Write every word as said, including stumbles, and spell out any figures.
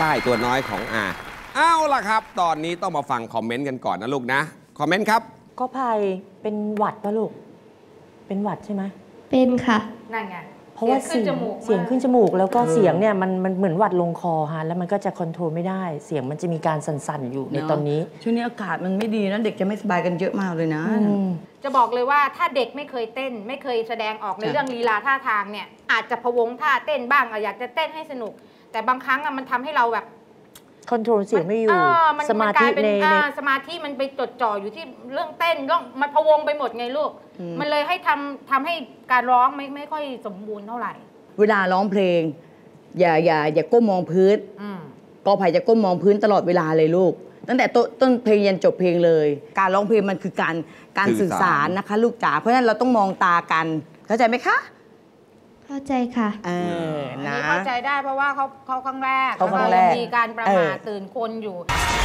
ต้ตัวน้อยของอาเอาล่ะครับตอนนี้ต้องมาฟังคอมเมนต์กันก่อนนะลูกนะคอมเมนต์ครับก็ภัยเป็นหวัดปะลูกเป็นหวัดใช่ไหมเป็นค่ะนั่นไงเพราะว่าเสียงเสียงขึ้นจมูกแล้วก็เสียงเนี่ยมันมันเหมือนหวัดลงคอฮะแล้วมันก็จะคอนโทรลไม่ได้เสียงมันจะมีการสั่นๆอยู่ในตอนนี้ช่วงนี้อากาศมันไม่ดีนะเด็กจะไม่สบายกันเยอะมากเลยนะจะบอกเลยว่าถ้าเด็กไม่เคยเต้นไม่เคยแสดงออกในเรื่องลีลาท่าทางเนี่ยอาจจะพะวงท่าเต้นบ้างอยากจะเต้นให้สนุกแต่บางครั้งมันทำให้เราแบบคอนโทรลเสียงไม่อยู่สมาธิในสมาธิมันไปจดจ่ออยู่ที่เรื่องเต้นเรื่องมันพะวงไปหมดไงลูกมันเลยให้ทำทำให้การร้องไม่ไม่ค่อยสมบูรณ์เท่าไหร่เวลาร้องเพลงอย่าอย่าอย่าก้มมองพื้นกอไผ่จะก้มมองพื้นตลอดเวลาเลยลูกตั้งแต่ต้นเพลงยันจบเพลงเลยการร้องเพลงมันคือการการสื่อสารนะคะลูกจ๋าเพราะฉะนั้นเราต้องมองตากันเข้าใจไหมคะเข้าใจค่ะเออนะเข้าใจได้เพราะว่าเขาเขาครั้งแรกเขาครั้งแรกมีการประมาทตื่นคนอยู่